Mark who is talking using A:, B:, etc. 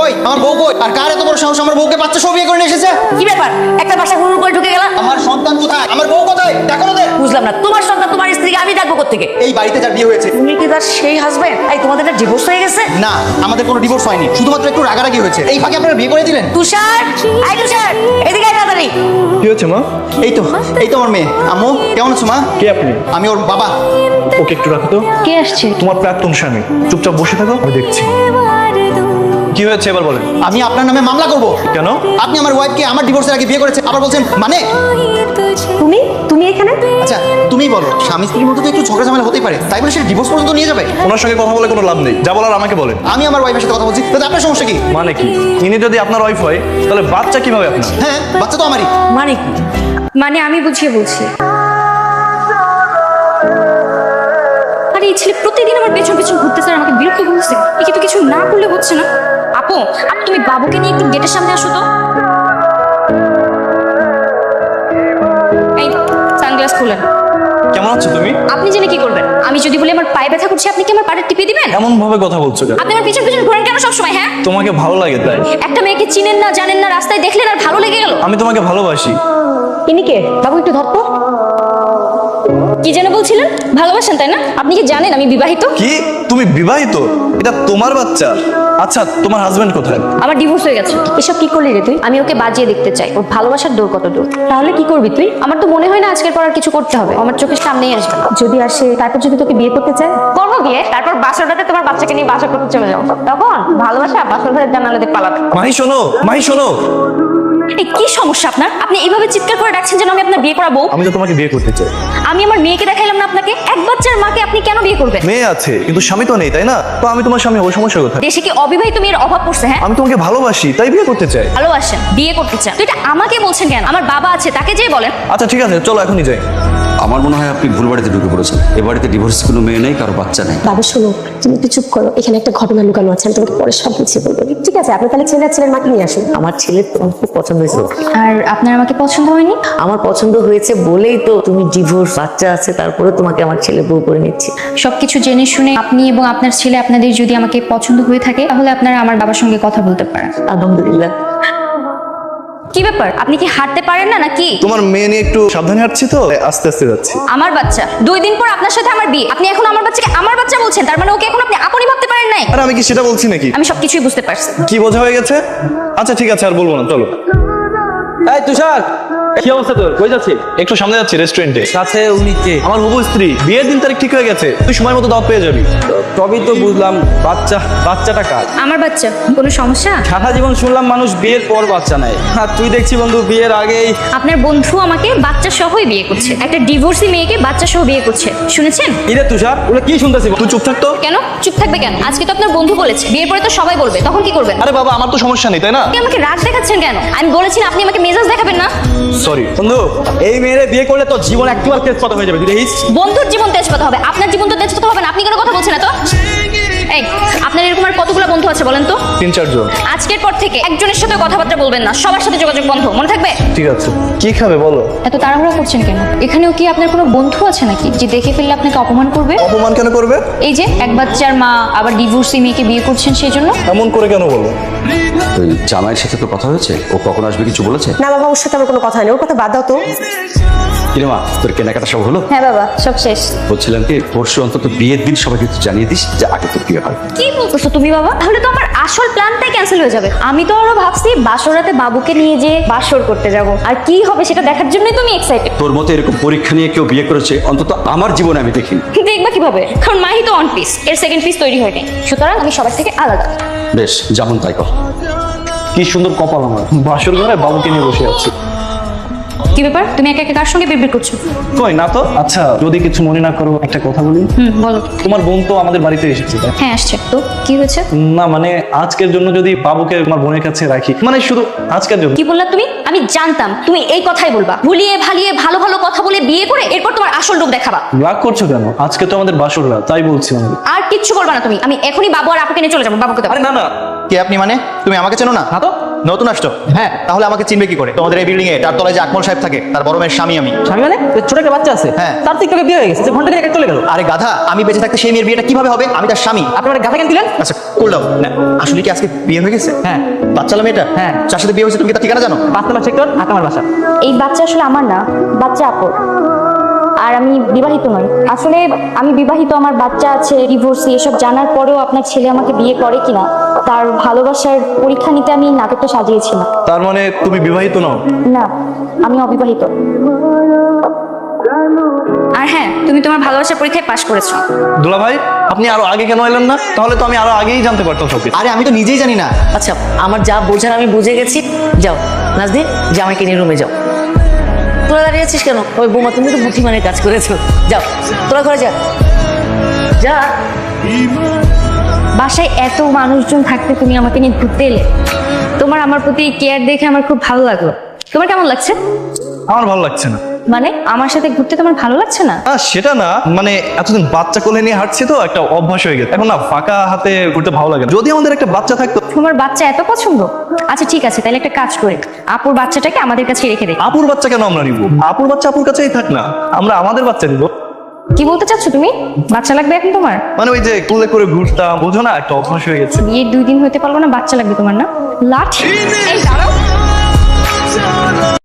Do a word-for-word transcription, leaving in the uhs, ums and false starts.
A: কই আমার বউ কই? আর কার এত বড় সাহস আমার বউকে বাচ্চা সহ বিয়ে করে নিয়ে এসেছে?
B: কি ব্যাপার একটা বাসা হুড় করে ঢুকে গেল?
A: আমার সন্তান কোথায়? আমার বউ কোথায়? দেখো না।
B: বুঝলাম না, তোমার সন্তান তোমার স্ত্রীকে আমি ডাকবো কোত্থেকে?
A: এই বাড়িতে যার বিয়ে হয়েছে।
B: তুমি কি তার সেই হাজবেন্ড? এই তোমাদের একটা ডিভোর্স হয়ে গেছে?
A: না, আমাদের কোনো ডিভোর্স হয়নি, শুধুমাত্র একটু রাগারাগি হয়েছে। এই ফাঁকে আপনারা বিয়ে করে দিলেন।
B: তুষার, আই তুষার, এদিকে আয় তাড়াতাড়ি।
C: কি হচ্ছে মা?
A: এই তো এই তো আমার মেয়ে। আম্মু কেমন আছো মা?
C: কে আপনি?
A: আমি ওর বাবা।
C: ওকে একটু রাখো তো।
B: কে আসছে?
C: তোমার প্রাক্তন স্বামী। চুপচাপ বসে থাকো, আমি দেখছি। কি হয়েছে এবার বলেন।
A: আমি আপনার নামে মামলা করব।
C: কেন?
A: আপনি আমার ওয়াইফকে আমার ডিভোর্সের আগে বিয়ে করেছে, আবার বলছেন মানে?
B: তুমি তুমি এখানে?
A: আচ্ছা তুমিই বলো, স্বামী স্ত্রীর মধ্যে তো একটু ঝগড়া ঝামেলা হতেই পারে, তাই বলে সে ডিভোর্স পর্যন্ত নিয়ে যাবে?
C: ওনার সঙ্গে কথা বলে কোনো লাভ নেই, যা বলার আমাকে বলেন।
A: আমি আমার ওয়াইফের সাথে কথা বলছি, তাতে আপনার সমস্যা কি?
C: মানে কি? ইনি যদি আপনার ওয়াইফ হয় তাহলে বাচ্চা কিভাবে আপনার?
A: হ্যাঁ, বাচ্চা তো আমারই।
B: মানে কি?
D: মানে আমি বুঝিয়ে বলছি। আরে এই ছেলে প্রতিদিন আমার পেছন পেছন ঘুরতেছে আর আমাকে বিরক্ত করছে। একে তো কিছু না করলে হচ্ছে না। আপু, আপু তুমি বাবুকে নিয়ে একটু গেটের সামনে আসো তো। এই সানগ্লাস খুলেন।
C: কেমন আছো তুমি?
D: আপনি জেনে কি করবেন? আমি যদি বলি আমার পায়ে ব্যথা করছে, আপনি কি আমার পাড়ে টিপে দিবেন?
C: এমন ভাবে কথা বলছো কেন?
D: আপনি আমার পিছন পিছন ঘোরেন কেন সবসময়? হ্যাঁ,
C: তোমাকে ভালো লাগে তাই?
D: একটা মেয়েকে চিনেন না, জানেন না, রাস্তায় দেখলেন আর ভালো লেগে গেল।
C: আমি তোমাকে ভালোবাসি।
D: ইনি কে? বাবু একটু ধরতো। কি যেন বলছিলেন? ভালোবাসেন তাই না? আপনি কি জানেন আমি বিবাহিত?
C: কি? তুমি বিবাহিত? এটা তোমার বাচ্চা? আচ্ছা, তোমার হাজবেন্ড কোথায়?
D: আমার ডিভোর্স হয়ে গেছে। এসব কি করলি রে তুই? আমি ওকে বাজিয়ে দেখতে চাই ওর ভালোবাসার দূর কত দূর। তাহলে কি করবি তুই? আমার তো মনে হয় না আজকের পর আর কিছু করতে হবে। আমার চোখের সামনেই আসবে না। যদি আসে, তারপর যদি তোকে বিয়ে করতে চায়, করবো বিয়ে। তারপর বাসরটাতে তোমার বাচ্চাকে নিয়ে বাসা করতে চলে যাবো। তখন ভালোবাসা বাসর ঘরের জানালাতে পালাবে।
C: মাহি শোনো, মাহি শোনো।
D: এই কি সমস্যা আপনার? আপনি এইভাবে চিৎকার করে ডাকছেন যেন আমি আপনার বিয়ে করাবো।
C: আমি তো তোমাকে বিয়ে করতে চাই।
D: আমি আমার মেয়েকে দেখাইলাম না আপনাকে? এক বাচ্চার মাকে আপনি কেন বিয়ে করবেন?
C: মেয়ে আছে কিন্তু স্বামী তো নেই, তাই না? তো আমি তোমার স্বামী, ওই সমস্যা কোথায়?
D: দেশে কি অবিবাহিত মেয়ের অভাব পড়ছে? হ্যাঁ,
C: আমি তোমাকে ভালোবাসি তাই বিয়ে করতে চাই।
D: ভালোবাসেন, বিয়ে করতে চান, তো এটা আমাকে বলছেন কেন? আমার বাবা আছে, তাকে যেয়ে বলেন।
C: আচ্ছা ঠিক আছে, চলো এখনই যাই।
E: আমার মনে হয় আপনি ভুল বাড়িতে ঢুকে পড়েছেন। এ বাড়িতে ডিভোর্স কোনো মেয়ে নেই, কারো বাচ্চা নেই।
F: বাবা শোনো, তুমি একটু চুপ করো। এখানে একটা ঘটনা লুকানো আছে, আমি তোমাকে পরে সব বুঝিয়ে বলবো। ঠিক আছে, আপনি তাহলে ছেলে আর ছেলের মাকে নিয়ে আসুন।
G: আমার ছেলের তোমার খুব পছন্দ হয়েছে।
D: আর আপনার আমাকে পছন্দ হয়নি?
G: আমার পছন্দ হয়েছে বলেই তো তুমি ডিভোর্স, বাচ্চা আছে, তারপরে তোমাকে আমার ছেলে বউ করে নিচ্ছি।
D: সবকিছু জেনে শুনে আপনি এবং আপনার ছেলে, আপনাদের যদি আমাকে পছন্দ হয়ে থাকে, তাহলে আপনারা আমার বাবার সঙ্গে কথা বলতে পারেন।
G: আলহামদুলিল্লাহ।
D: কি ব্যাপার? আপনি কি হাঁটতে পারেন না নাকি?
C: তোমার মেয়ে নিয়ে একটু সাবধানে হাঁটছি তো, আস্তে আস্তে যাচ্ছি।
D: আমার বাচ্চা, দুই দিন পর আপনার সাথে আমার বিয়ে, আপনি এখন আমার বাচ্চাকে আমার বাচ্চা বলছেন? তার মানে ওকে এখন আপনি আপনি ভাবতে পারেন নাই?
C: আর আমি কি সেটা বলছি নাকি?
D: আমি সবকিছুই বুঝতে পারছি।
C: কি বোঝা হয়ে গেছে? আচ্ছা ঠিক আছে, আর বলবো না, চলো।
H: এই তুষার, কি অবস্থা তোর? কই যাচ্ছিস?
C: একটু সামনে যাচ্ছি রেস্টুরেন্টে।
H: কাছে উনি কে?
C: আমার হবু স্ত্রী, বিয়ের দিন তারিখ ঠিক হয়ে গেছে, তুই সময় মতো দাওয়াত পেয়ে যাবি।
H: সবই তো বুঝলাম, বাচ্চা বাচ্চাটা কার?
D: আমার বাচ্চা, কোনো সমস্যা?
H: সারা জীবন শুনলাম মানুষ বিয়ের পর বাচ্চা নেয়, আর তুই দেখছি বন্ধু বিয়ের আগেই।
D: আপনার বন্ধু আমাকে বাচ্চা সহই বিয়ে করছে, একটা ডিভোর্সি মেয়েকে বাচ্চা সহ বিয়ে করছে, শুনেছেন?
H: ইরে তুষার, ওগুলো কি শুনতেছি?
C: তুই চুপ থাকতো।
D: কেন চুপ থাকবে কেন? আজকে তো আপনার বন্ধু বলেছে, বিয়ের পরে তো সবাই বলবে, তখন কি করবেন?
C: আরে বাবা, আমার তো সমস্যা নেই, তাই না?
D: আপনি আমাকে রাগ দেখাচ্ছেন কেন? আমি বলেছি না আপনি আমাকে মেজাজ দেখাবেন না।
C: সরি
H: বন্ধু, এই মেয়েরে বিয়ে করলে তো জীবন একেবারে তেজপাতা হয়ে যাবে, তুই দেখিস।
D: বন্ধুর জীবন তেজপাতা হবে, আপনার জীবন তো তেজপাতা হবে না। আপনি কোনো কথা বলছেন না তো? এই, আপনার এরকম আর কতগুলো বন্ধু আছে বলেন তো?
C: তিন চারজন।
D: আজকের পর থেকে একজনের সাথে কথাবার্তা বলবেন না, সবার সাথে যোগাযোগ বন্ধ, মনে থাকবে?
C: ঠিক আছে, কি খাবে বলো?
D: এত তাড়াহুড়া করছেন কেন? এখানেও কি আপনার কোনো বন্ধু আছে নাকি যে দেখে ফেললে আপনাকে অপমান করবে?
C: অপমান কেন করবে?
D: এই যে এক বাচ্চার মা, আবার ডিভোর্সি মেয়েকে বিয়ে করছেন, সেই জন্য?
C: এমন করে কেন বলো?
E: ওই জামাইয়ের সাথে তো কথা হয়েছে, ও কখন আসবে কিছু বলেছে?
F: না বাবা, ওর সাথে আমার কোনো কথা নেই, ওর কথা বাদ দাও তো।
E: কিরে মা, তোর কেনাকাটা সব হলো?
D: হ্যাঁ বাবা, সব শেষ।
E: বলছিলাম কি, পরশু অন্তত বিয়ের দিন সবাইকে একটু জানিয়ে দিস যে আগে তোর বিয়ে হয়।
D: কি বলতেছো তুমি বাবা? তাহলে তো আমার আসল প্ল্যানটাই ক্যান্সেল হয়ে যাবে। আমি তো আরো ভাবছি বাসরাতে বাবুকে নিয়ে যে বাসর করতে যাব, আর কি হবে সেটা দেখার জন্যই তুমি এক্সাইটেড।
E: তোর মতো এরকম পরীক্ষা নিয়ে কেউ বিয়ে করেছে অন্তত আমার জীবনে আমি দেখিনি।
D: দেখবা কিভাবে? কারণ মাহি তো ওয়ান পিস, এর সেকেন্ড পিস তৈরি হয়নি, সুতরাং আমি সবার থেকে আলাদা।
E: বেশ, যেমন তাই কর।
C: কি সুন্দর কপাল আমার, বাসর ঘরে বাবুকে নিয়ে বসে আছি।
D: কি ব্যাপার? তুমি একা একা কার সঙ্গে বিড়বিড় করছো?
C: কই না তো। আচ্ছা, যদি কিছু মনে না করো একটা কথা বলি।
D: হুম, বলো।
C: তোমার বোন তো আমাদের বাড়িতে এসেছে, তাই?
D: হ্যাঁ আসছে। তো কি হয়েছে?
C: না মানে আজকের জন্য যদি বাবুকে তোমার বোনের কাছে রাখি, মানে শুধু আজকের জন্য।
D: কি বললা তুমি? আমি জানতাম তুমি এই কথাই বলবা। ভুলিয়ে ভালিয়ে ভালো ভালো কথা বলে বিয়ে করে এরপর তোমার আসল রূপ দেখাবা।
C: রাগ করছো কেন? আজকে তো আমাদের বাসর রাত, তাই বলছিলাম।
D: আর কিচ্ছু বলবা না তুমি। আমি এখনই বাবু আর আপুকে নিয়ে চলে যাবো। বাবুকে দাও।
C: আরে না না।
A: কে আপনি? মানে তুমি আমাকে চেনো না?
H: না তো,
A: নতুন আসছো?
H: হ্যাঁ।
A: তাহলে আমাকে চিনবে কি করে? তোমাদের এই বিল্ডিং এ তার তলায় যে আকমল সাহেব থাকে তার বড় মেয়ের স্বামী আমি।
H: স্বামী মানে ওই ছোট একটা বাচ্চা আছে
A: হ্যাঁ।
H: তার তো একটু আগে বিয়ে হয়ে গেছে, যে ঘন্টা দিনে চলে গেল।
A: আরে গাধা, আমি বেঁচে থাকতে সেই মেয়ের বিয়েটা কিভাবে হবে? আমি তার স্বামী।
H: আপনার গাথা কেন দিলেন?
A: আচ্ছা করলাম না, আসলে কি আজকে বিয়ে হয়ে গেছে?
H: হ্যাঁ।
A: বাচ্চালা মেয়েটা?
H: হ্যাঁ।
A: যার সাথে বিয়ে হয়েছে তুমি কি তার ঠিকানা জানো?
H: পাঁচ নম্বর সেক্টর, আট নম্বর বাসা।
D: এই বাচ্চা আসলে আমার না, বাচ্চা আপর। আর আমি বিবাহিত নই। আসলে আমি বিবাহিত, আমার বাচ্চা আছে, ডিভোর্সি, এসব জানার পরেও আপনার ছেলে আমাকে বিয়ে করে কিনা তার ভালোবাসার পরীক্ষা নিতে আমি নাটকটা সাজিয়েছিলাম।
C: তার মানে তুমি বিবাহিত নও?
D: না, আমি অবিবাহিত।
B: আর হ্যাঁ, তুমি তোমার ভালোবাসার পরীক্ষায় পাশ করেছো।
C: দুলা ভাই, আপনি আরো আগে কেন এলেন না? তাহলে তো আমি আরো আগেই জানতে পারতাম সবকিছু।
A: আরে আমি তো নিজেই জানি না।
G: আচ্ছা, আমার যা বোঝার আমি বুঝে গেছি। যাও নাজদিন, জামাইকে নিয়ে রুমে যাও। তোরা দাঁড়িয়ে আছিস কেন? ওই বোমা, তুমি তো বুদ্ধিমানের কাজ করেছো। যাও তোরা ঘরে যা যা।
D: বাসায় এত মানুষজন থাকতে তুমি আমাকে নিয়ে ঘুরতে এলে। তোমার আমার প্রতি কেয়ার দেখে আমার খুব ভালো লাগলো। তোমার কেমন লাগছে?
C: আমার ভালো লাগছে না।
D: মানে আমার সাথে ঘুরতে তোমার ভালো লাগছে না?
C: না সেটা না, মানে এতদিন বাচ্চা কোলে নিয়ে হাঁটছি তো একটা অভ্যাস হয়ে গেছে। এখন না ফাঁকা হাতে ঘুরতে ভালো লাগে না। যদি আমাদের একটা বাচ্চা থাকতো।
D: তোমার বাচ্চা এত পছন্দ? আচ্ছা ঠিক আছে, তাহলে একটা কাজ করে আপুর বাচ্চাটাকে আমাদের কাছে রেখে দে।
C: আপুর বাচ্চা কেন আমরা নিব? আপুর বাচ্চা আপুর কাছেই থাক না, আমরা আমাদের বাচ্চা নিব।
D: কি বলতে চাচ্ছ তুমি? বাচ্চা লাগবে এখন তোমার?
C: মানে ওই যে কোলে করে ঘুরতাম, বোঝো না, একটা অভ্যাস হয়ে গেছে।
D: বিয়ের দুই দিন হতে পারলো না, বাচ্চা লাগবে তোমার না? লাঠি? এই দাঁড়াও।